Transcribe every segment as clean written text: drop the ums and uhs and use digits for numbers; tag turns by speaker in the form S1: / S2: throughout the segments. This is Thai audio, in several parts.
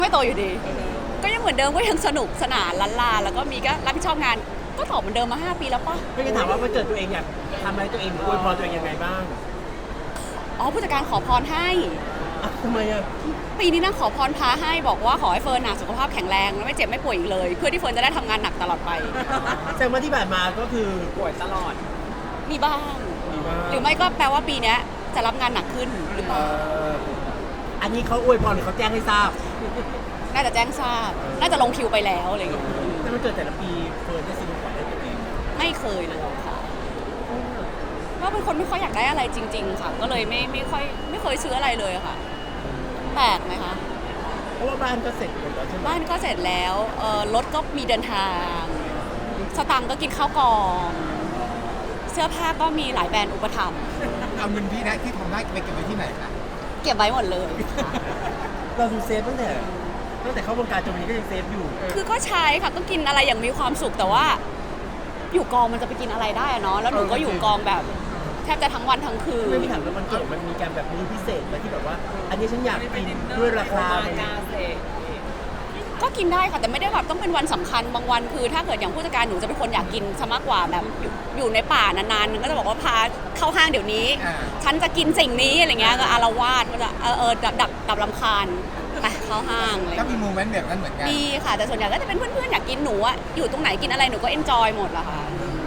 S1: ไม่โตอยู่ดีก็ยังเหมือนเดิมก็ยังสนุกสนานล้านลาแล้วก็มีก็รับผิดชอบงานก็ตอบเหมือนเดิมมา5 ปีแล้วป่ะ
S2: ไม่ได้ถามว่าวันเกิดตัวเองอยากทำอะไรตัวเองหรืออวยพรตัวเองยังไงบ้าง
S1: อ๋อผู้จัดการขอพรให้
S2: ทำไมอ่ะ
S1: ปีนี้นั่งขอพรพาให้บอกว่าขอให้เฟิร์นสุขภาพแข็งแรงไม่เจ็บไม่ป่วยอีกเลยเพื่อที่เฟิร์นจะได้ทำงานหนักตลอดไป
S2: แสดงว่าที่ผ่านมาก็คือ
S3: ป่วยตลอด
S1: มีบ้างหรือไม่ก็แปลว่าปีนี้จะรับงานหนักขึ้นหรือเปล่า
S2: อันนี้เขาอวยพรหรือเขาแจ้งให้ทราบ
S1: น่าจะแจ้งทราบน่าจะลงคิวไปแล้วอะไรอย่างเงี้ย
S2: แต่มันเกิดแต่ละปีเฟิร์นได้ซื้อของให้ตัวเอง
S1: ไม่เคยเลยค่ะว่าเป็นคนไม่ค่อยอยากได้อะไรจริงๆค่ะก็เลยไม่เคยซื้ออะไรเลยค่ะแปลกไหมคะ
S2: เพราะว่าบ้านก็เสร็จหมดแล้วใช่ไหม
S1: บ้านก็เสร็จแล้วรถก็มีเดินทางสตังค์ก็กินข้าวกล่องเสื้อผ้าก็มีหลายแบรนด์อุปถัมภ์
S3: เอาเงินที่ได้ที่ทำได้ไปเก็บไว้ที่ไหนคะ
S1: เก็บไว้หมดเลย
S2: เราดูเซฟตั้งแต่เข้าวงการจนวันนี้ก็ยังเซฟอยู่
S1: คือก็ใช้ค่ะก็กินอะไรอย่างมีความสุขแต่ว่าอยู่กองมันจะไปกินอะไรได้อะเนาะแล้วหนูก็อยู่กองแบบแทบจะทั้งวันทั้งคืน
S2: ไม่มีถามแล้วมันเกิดมันมีการแบบมื้อพิเศษไหมที่แบบว่าอันนี้ฉันอยากกินด้วยราคา
S1: ก็กินได้ค่ะแต่ไม่ได้แบบต้องเป็นวันสำคัญบางวันคือถ้าเกิดอย่างผู้จัดการหนูจะเป็นคนอยากกินซะมากกว่าแบบอยู่ในป่านานๆก็จะบอกว่าพาเข้าห้างเดี๋ยวนี้ฉันจะกินสิ่งนี้อะไรเงี้ยก็อารวาสก็จะดับรำคาญไปเข้าห้างเลย
S3: ก็มีโมเมนต์แบบนั้นเหมือนกัน
S1: มีค่ะแต่ส่วนใหญ่ก็จะเป็นเพื่อนๆอยากกินหนูอะอยู่ตรงไหนกินอะไรหนูก็เอนจอยหมดละค่ะ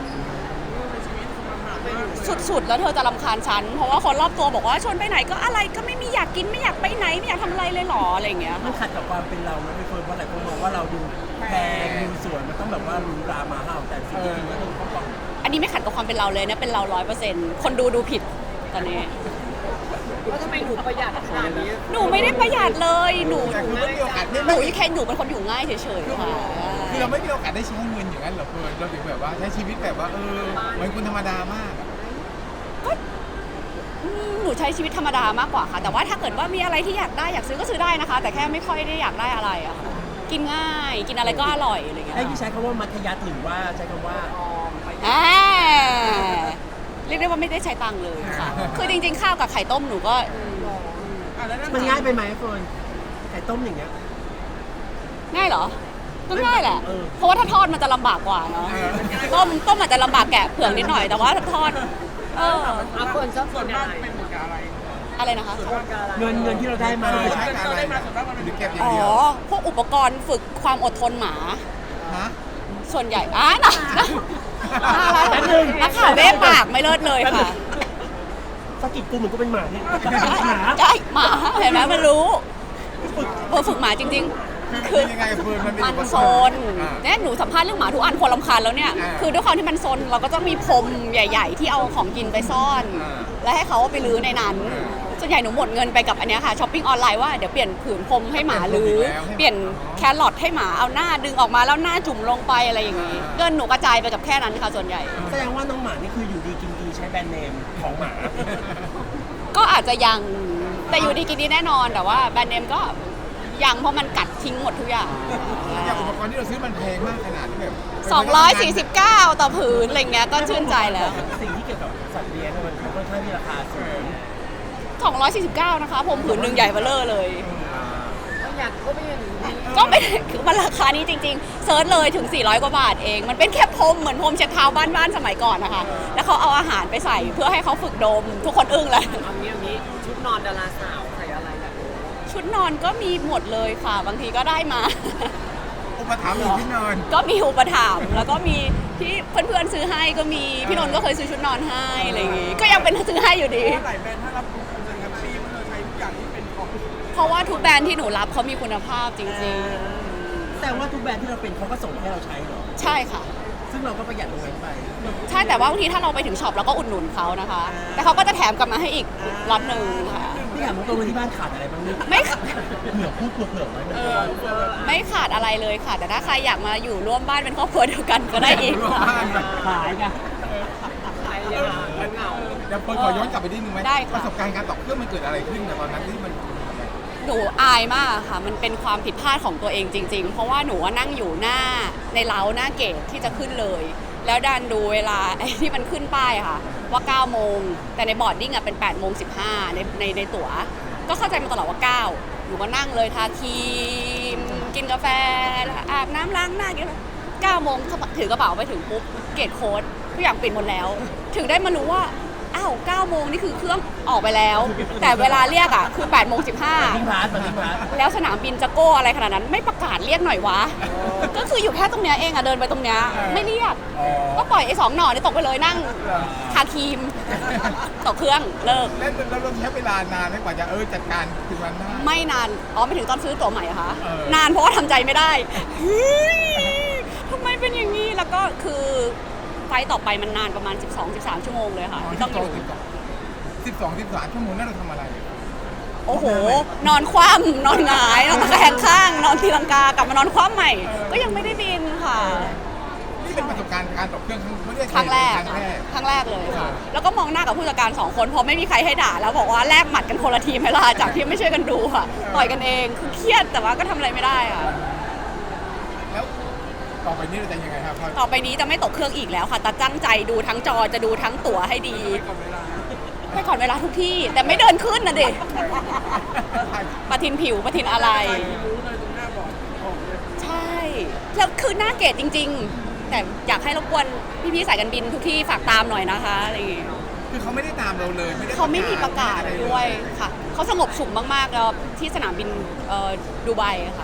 S1: สุดๆแล้วเธอจะรำคาญฉันเพราะว่าคนรอบตัวบอกว่าชวนไปไหนก็อะไรก็ไม่มีอยากกินไม่อยากไปไหนไม่อยากทำอะไรเลยหรออะไรอย่างเงี้ย
S2: มันขัดกับความเป็นเราไม่เฟิร์นว่าหลายคนมองว่าเราดูแพงดูสวยมันต้องแบบว่ารูรามาห้าวแต่จริงๆก็คือเขาบอก
S1: อันนี้ไม่ขัดกับความเป็นเราเลยนะเป็นเรา100%คนดูผิดตอนนี้
S3: แล้วทำไมหนูประหยัดขนาดนี้
S1: หนูไม่ได้ประหยัดเลยหนูแค่หนูเป็นคนอยู่ง่ายเฉยๆค่ะ
S3: คือเราไม่มีโอกาสได้ใช้เงินอย่างนั้นหรอกเฟิร์นเราถึงแบบว่าใช้ชีวิตแบบว่าเหมือนคนธรรมดามาก
S1: ก็หนูใช้ชีวิตธรรมดามากกว่าค่ะแต่ว่าถ้าเกิดว่ามีอะไรที่อยากได้อยากซื้อก็ซื้อได้นะคะแต่แค่ไม่ค่อยได้อยากได้อะไรอะค่ะกินง่ายกินอะไรก็อร่อยอะไรอย่างเงี้ย
S2: ให้พี่ใช้คำว่ามัธยัสถ์หรือว่าใช้คำว่า
S1: เรียกได้ว่าไม่ได้ใช้ตังค์เลยค่ะคือจริงๆข้าวกับไข่ต้มหนูก็
S2: มันง่ายไปไหมเฟิร์นไข่ต้มอย่างเงี้ย
S1: ง่ายเหรอก็ง่ายแหละเพราะว่าถ้าทอดมันจะลำบากกว่าเนาะต้มอาจจะลำบากแกะเผือกนิดหน่อยแต่ว่าถ้าทอด
S3: คนชอบกิน
S1: อะไรนะคะ
S2: เงินที่เราได้มา
S3: ใช้การอะไรหรือเก็บอย่างเดียว
S1: พวกอุปกรณ์ฝึกความอดทนหมาส่วนใหญ่นักข่าวเบ้ปากไม่เลิศเลยค่ะ
S2: สกิดกูเหมือนกูเป็นหมาเนี่ย
S1: ใช่หมาเห็นไหมมันรู้ฝึกหมาจริงๆคือมันโซนเนี่ยหนูสัมภาษณ์เรื่องหมาทุกอันคนรำคาญแล้วเนี่ยคือด้วยความที่มันโซนเราก็ต้องมีพรมใหญ่ๆที่เอาของกินไปซ่อนแล้วให้เขาไปลื้อในนั้นส่วนใหญ่หนูหมดเงินไปกับอันนี้ค่ะช้อปปิ้งออนไลน์ว่าเดี๋ยวเปลี่ยนผืนพรมให้หมาลื้อเปลี่ยนแครอทให้หมาเอาหน้าดึงออกมาแล้วหน้าจุ่มลงไปอะไรอย่างนี้เงินหนูกระจายไปกับแค่นั้นค่ะส่วนใหญ่
S2: แสดงว่าน้องหมานี่คืออยู่ดีกินดีใช้แบรนด์เนมของหมา
S1: ก็อาจจะยังแต่อยู่ดีกินดีแน่นอนแต่ว่าแบรนด์เนมก็ยังเพราะมันกัดทิ้งหมดทุกอย่าง
S3: อย่างอุปกรณ์ที่เราซื้อมันแพงมากขนาดที่แบบ
S1: 249ต่อผืนอะไรเงี้ยก็ชื่นใจแล้ว
S2: สิ่งที่เกี่ยวกับสัตว์เลี้ยงมันค่อนข้างที่ราคาสูง
S1: 249นะคะผมผืนหนึ่งใหญ่เบ้อเร่อเลย
S3: อยากก็ไม่เห็น
S1: ก็ไม่คือมันราคานี้จริงๆเซิร์ชเลยถึง400 กว่าบาทเองมันเป็นแค่พรมเหมือนพรมเช็ดเท้าบ้านสมัยก่อนนะคะแล้วเขาเอาอาหารไปใส่เพื่อให้เขาฝึกดมทุกคนอึ้งเลย
S3: เอางี้ชุดนอนดาราสาวใส่อะไรแบบ
S1: ชุดนอนก็มีหมดเลยค่ะบางทีก็ได้มา
S3: อุปถัมภ์ชุดนอน
S1: ก็มีอุปถัมภ์แล้วก็มีที่เพื่อนๆซื้อให้ก็มีพี่นนท์ก็เคยซื้อชุดนอนให้อะไรอย่างงี้ก็ยังเป็นซื้อให้อยู่ดี
S3: หลายแบรนด์ถ้ารับคุณจะแฮปปี้มันเลยใช้ทุกอย่างที่เป็นของ
S1: เพราะว่าทุกแบรนด์ที่หนูรับเขามีคุณภาพจริง
S2: ๆแต่ว่าทุกแบรนด์ที่เราเป็นเขาก็ส่งให้เราใช้เหรอ
S1: ใช่ค่ะ
S2: ซึ่งเราก็ประหยัดตรงนั้นไป
S1: ใช่แต่ว่าบางทีถ้าเราไปถึงช็อปเราก็อุดหนุนเขานะคะแต่เขาก็จะแถมกลับมาให้อีกล็อตหนึ่งค่ะ
S2: พี่ถามตรงๆที่บ้านขาดอะไรบ้างเนี่ย
S1: ไม่
S2: เผื่อพูดเผื่อไว้
S1: ไม่ขาดอะไรเลยค่ะแต่ถ้าใครอยากมาอยู่ร่วมบ้านเป็นครอบครัวเดียวกันก็ได้อีกค่ะ
S2: ขายกัน
S3: เดี๋ยวขอย้อนกลับไปนิดนึงไหมประสบการณ์การตอกเครื่องมันเกิดอะไรขึ้นในตอนนั้นที่มัน
S1: หนูอายมากค่ะมันเป็นความผิดพลาดของตัวเองจริงๆเพราะว่าหนูนั่งอยู่หน้าในเล้าหน้าเกตที่จะขึ้นเลยแล้วดันดูเวลาที่มันขึ้นป้ายค่ะว่า9 โมงแต่ในบอร์ดดิ้งเป็น8 โมง 15ในตั๋วก็เข้าใจมาตลอดว่า9หนูก็นั่งเลยทาครีกินกาแฟอาบน้ำล้างหน้ากินอะไร9 โมงถือกระเป๋าไปถึงปุ๊บเกตโค้ดทุกอย่างปิดหมดแล้ว ถึงได้มารู้ว่าอ้าว9 โมงนี่คือเครื่องออกไปแล้ว แต่เวลาเรียกอ่ะคือ8 โมง
S2: ทิ้ง
S1: 15
S2: พาร์ทมาทิ้งพาร์ท
S1: แล้วสนามบินจะโก้อะไรขนาดนั้นไม่ประกาศเรียกหน่อยวะ ก็คืออยู่แค่ตรงเนี้ยเองอะเดินไปตรงเนี้ยไม่เรียก ก็ปล่อยไอ้2 หน่อนี่ตกไปเลยนั่งทาครีมตกเครื่องเลิก
S3: แล้วเราใช้เวลานานไหมกว่าจะจัดการถึงวันได้
S1: ไม่นานไม่ถึงตอนซื้อตั๋วใหม่เหรอคะ
S3: เออ
S1: นานเพราะว่าทำใจไม่ได้เฮ้ยทำไมเป็นอย่างนี้แล้วก็คือไฟล์ต่อไปมันนานประมาณ 12-13 ชั่วโมงเลยค่ะที่ต้องอยู่
S3: 12-13 ชั่วโมงนั่นเราทำอะไร
S1: โอ้โห นอนคว่ำนอนหงายนอนตะแคงข้าง นอนตีลังกากลับมานอนคว่ำใหม่ ก็ยังไม่ได้บินค่ะ
S3: นี่เป็นประสบการณ์การตกเครื่องไม่ได้
S1: ครั้งแรก
S3: ครั้งแรก
S1: ครั้งแรกเลยค่ะ แล้วก็มองหน้ากับผู้จัดการ2 คนเพราะไม่มีใครให้ด่าแล้วบอกว่าแลกหมัดกันคนละทีมให้ล่ะจากที่ไม่ช่วยกันดูค่ะ ต่อยกันเอง คือเครียดแต่ว่าก็ทำอะไรไม่ได้ค่ะ
S3: แล้วต่อไปนี้เราจะยังไงครับ
S1: ต่อไปนี้จะไม่ตกเครื่องอีกแล้วค่ะแต่ตั้งใจดูทั้งจอจะดูทั้งตั๋วให้ดีไปก่อนเวลาทุกที่ แต่ไม่เดินขึ้นนะดิปะทินผิวปะทินอะไร ใช่แล้วคือหน้าเกตจริง ๆ แต่อยากให้รบกวนพี่ๆสายการบินทุกที่ฝากตามหน่อยนะคะอะไรอย่างเงี้ย
S3: คือเขาไม่ได้ตามเราเลยด้
S1: เขาไม่มีประกาศด้วยค่ะเขาสงบสุขมากๆแล้วที่สนามบินดูไบค่ะ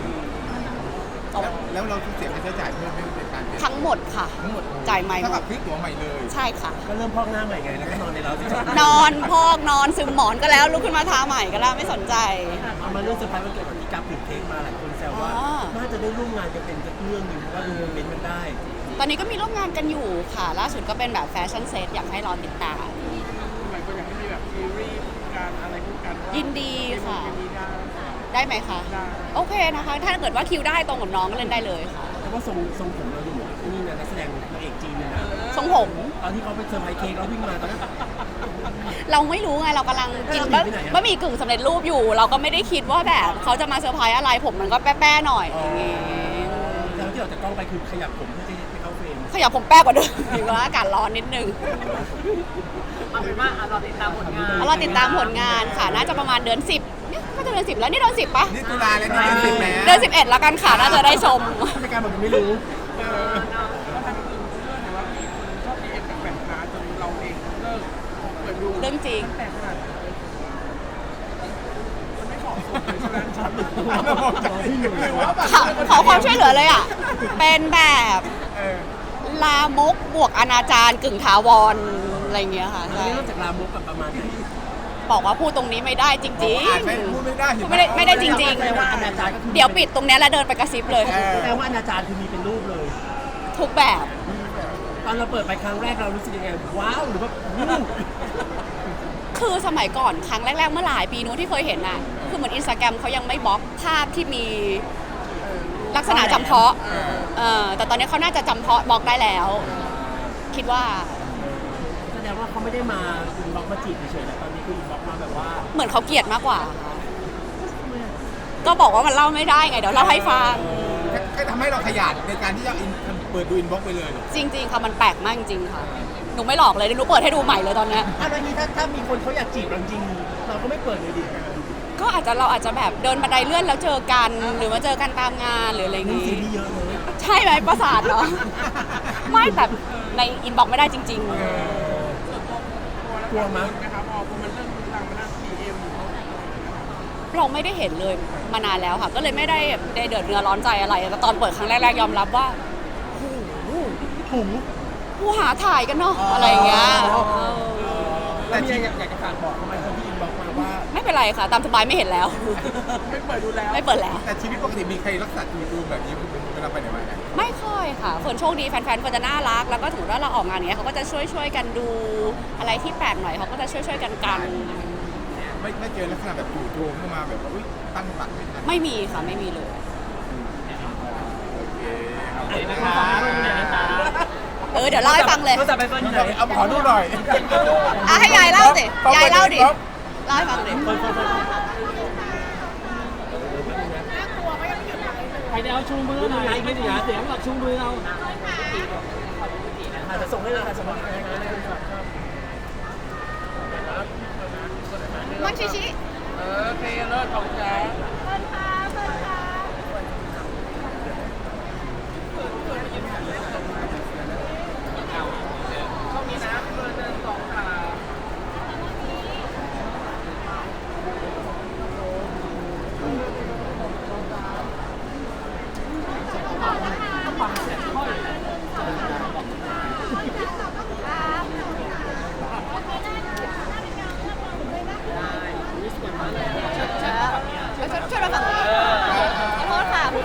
S3: แล้วเราเสียค่าใช้จ่ายเพิ่มในการเดิน
S1: ทั้งหมดค่ะ
S3: ทั้งหมด
S1: จ่ายใหม่ห
S3: เท่าม กั
S1: ด
S3: บซื้อตั๋วใหม่เลย
S1: ใช่ค่ะ
S2: ก็เริ่มพอกหน้าใหม่ไงแล้วก็นอนในเราที่
S1: นอนพอกนอนซึมหมอนก็แล้วลุกขึ้นมาทาใหม่ก็แล้วไม่สนใจ
S2: เอามาเรื่องเซอร์ไพรส์วันเกิดวันที่กับถึงเค้กมาหลายคนแซวว่า
S1: อ๋อ
S2: น่าจะได้ร่วมงานกันเป็นสักเรื่องหนึ่งเพราะว่าดูโมเมนต์มันได้
S1: ตอนนี้ก็มีร่วมงานกันอยู่ค่ะ ล่าสุดก็เป็นแบบแฟชั่นเซตอยากให้รอติดตาม
S4: หลายคนอยากให้มีแบบซีรีส์การอะไรคู่กันว่า
S1: ยินดีค่ะ
S4: เป็นมีได้
S1: ได้ไหมคะ
S4: ได้
S1: โอเคนะคะ ถ้าเกิดว่าคิวได้ตรงกับน้องก็เล่นได้เลยค่ะ
S2: แต่ว่าทรงผมเราดูเหมือนนี่นะนักแสดงนางเอกจีนเลยนะ
S1: ทรงผม
S2: ตอนที่เขาไปเซอร์ไพรส์เค้กแล้ววิ่งมาตอนนั้น
S1: เราไม่รู้ไงเรากำลังกิน
S2: แล้วเราหนีไปไหนอะ
S1: บะหมี่กึ่งสำเร็จรูปอยู่ เราก็ไม่ได้คิดว่าแบบเขาจะมาเซอร์ไพรส์อะไรผมมันก็แป้ๆหน่อยอะไรอย่างงี้
S2: แล้วที่เราจะกล้องไปคือขยับผมเพื่อที่จะไปเข้าเฟรม
S1: ขยับผมแป้กว่าเดิมดีว่าอากาศร้อนนิดนึง
S4: เอาเป็นว่าเราติดตามผลงาน
S1: เราติดตามผลงานค่ะน่าจะประมาณเดือน 10เนี่ยก็จะเดือน 10 แล้วนี่เดือน 10ปะ
S3: นี่ตุลาแล้วนี่เป็น10แม้
S1: เดือน 11 แล้วกันค่ะน่าจะได้ชม
S2: ไม่การบอกมันไม่รู้
S4: ก็ทำคือเรื่องไหนว่ามีคนชอบดีเอ็มแปลกๆมาจนเราเองเลิกเปิดดู
S1: เรื่องจริง
S4: แปลกขนาดนั้นมันไม่เหมาะสมเลยใช่ไหมช็อตหนึ่ง
S1: ขอความช่วยเหลือเลยอ่ะ เป็นแบบ
S3: เออ
S1: ลามกบวกอนาจารกึ่งถาวรอะไรเงี้ยค่ะ
S2: อัน
S1: ใช่
S2: นี้นอกจากลามกกับประมาณไหน
S1: บอกว่าพูดตรงนี้ไม่ได้จริง
S3: อ่านพูดไม่ได้
S1: ๆพูดไม่ได้จริง
S2: แสดงว่าอนาจารก็คือ
S1: ๆ เดี๋ยวปิดตรงเนี้ยแล้วเดินไปกระซิบเลย
S2: แสดงว่าอนาจารคือมีเป็นรูปเลย
S1: ทุกแบบ
S2: ตอนเราเปิดไปครั้งแรกเรารู้สึกยังไงว้าวหรือว่าวู้
S1: คือสมัยก่อนครั้งแรกๆเมื่อหลายปีนู้นที่เคยเห็นน่ะคือเหมือนอินสตาแกรมเขายังไม่บล็อกภาพที่มีลักษณะจำเพาะแต่ตอนนี้เขาน่าจะจำเพาะบล็อกได้แล้ว คิดว่า
S2: แสดงว่าเขาไม่ได้มาอินบ็อกซ์มาจีบเฉยๆนะตอนนี้คืออินบ็อกซ์มาแบบว่า
S1: เหมือนเขาเกลียดมากกว่าค่ะก็บอกว่ามันเล่าไม่ได้ไงเดี๋ยวเล่าให้ฟัง
S3: ก็ทำให้เราขยันในการที่จะเปิดดูอินบ็อกซ์ไปเลย
S1: จริงๆค่ะมันแปลกมากจริงๆค่ะหนูไม่หลอกเลยเดี๋ยวหนูเปิดให้ดูใหม่เลยตอนเนี้ย
S2: ถ้าตอนนี้ถ้ามีคนเขาอยากจีบเราจริงเราก็ไม่เปิดเลยดิ
S1: ก็เราอาจจะแบบเดินบันไดเลื่อนแล้วเจอกันหรือมาเจอกันตามงานหรืออะไรอย่าง
S2: นี่ซี
S1: งี้
S2: รีส์เยอะเลย
S1: ใช่ไหมประสาทเหรอ ไม่แต่ในอินบ็อกซ์ไม่ได้จริง
S2: กลัวมั้ย
S4: นะครับพอมันเริ่มดังมาหน้าดีเอ็ม
S1: ๆ เราไม่ได้เห็นเลยมานานแล้วค่ะ ก็เลยไม่ได้เดือดเนื้อร้อนใจอะไรแต่ตอนเปิดครั้งแรกๆยอมรับว่าโอ้โห
S2: หู
S1: ผู้หาถ่ายกันเนาะอะไรอย่างเงี้ย
S2: แต่จริงอยากจะฝากบอกทำไมคนที่อินบ็อกซ์มาว่า
S1: ไม่เป็นไรค่ะ ตามสบายไม่เห็นแล้ว
S4: ไม่เปิดดูแล้ว
S1: ไม่เปิดแล้ว
S3: แต่ชีวิตปกติมีใครรักษาดูแบบนี้เวลาไปไหนมาไหน
S1: ไม่ค่อยค่ะเฟิร์นโชคดีแฟนๆเฟิร์นจะน่ารัก แล้วก็ถือว่าเราออกงานอย่างเงี้ยเขาก็จะช่วยกันดูอะไรที่แปลกหน่อยเขาก็จะช่วยกัน
S3: ไม่เจอลักษณะแบบจู่โจมเข้ามาแบบว่าอุ๊ยตั้งตักไม่ทัน
S1: ไม่มีค่ะไม่มีเลย
S3: โอเคขอบคุณนะครับ
S1: เดี๋ยวเล่าให้ฟังเลย
S2: ก็จะไปเฟิร์นอยู่ไหน
S3: เอาขอดูหน่อย
S1: ให้ยายเล่าสิยายเล่าดิเล่าให้ฟังดิ
S4: ใครจะเอาชูมือหน่อยไม่เสียเสียงหรอกชูมือเอา
S2: อาจจะส่งให้เราส่งให้เรา
S1: มันชิชิ
S4: โอเคเลิศขอบคุณจ้า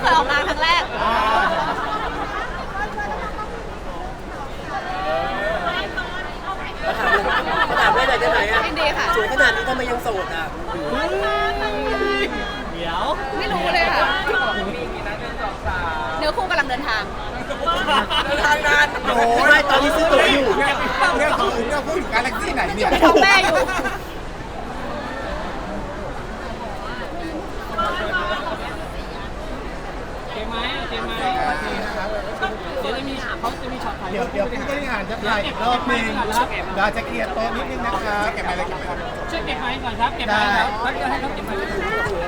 S1: ออกงานครั้งแรก
S2: ถามได้ไหนได้ไหนอ่ะ
S1: ยินดีค่ะ
S2: สวยขนาดนี้ทำไมยังโสดอ่ะเดี๋ยว
S1: ไม่รู้เลยค่ะ
S4: มีกี่นัด1 2 3
S1: เนื้อคู่กำลังเดินทาง
S4: ทางงาน
S2: โอ้ยตอนนี้ซื้อตั๋วอยู่
S3: เนี่ยพูดถึงกาแล็กซี่ไหนเนี่ย
S1: ไปท้องแม่อยู่
S4: เจ๊ไหมเดี๋ยวจะมีเขาจะมีช็อตถ่าย
S3: เดี๋ยวผู้บริหารจะถ่ายอีกรอบนึงเราจะเคลียร์โต๊ะนิดนึงนะครับเก็บอะไร
S4: ช่วยเก็บไม้ก่อนครับเก็บไม้ครับแล้วจะให้เขาเก็บไม้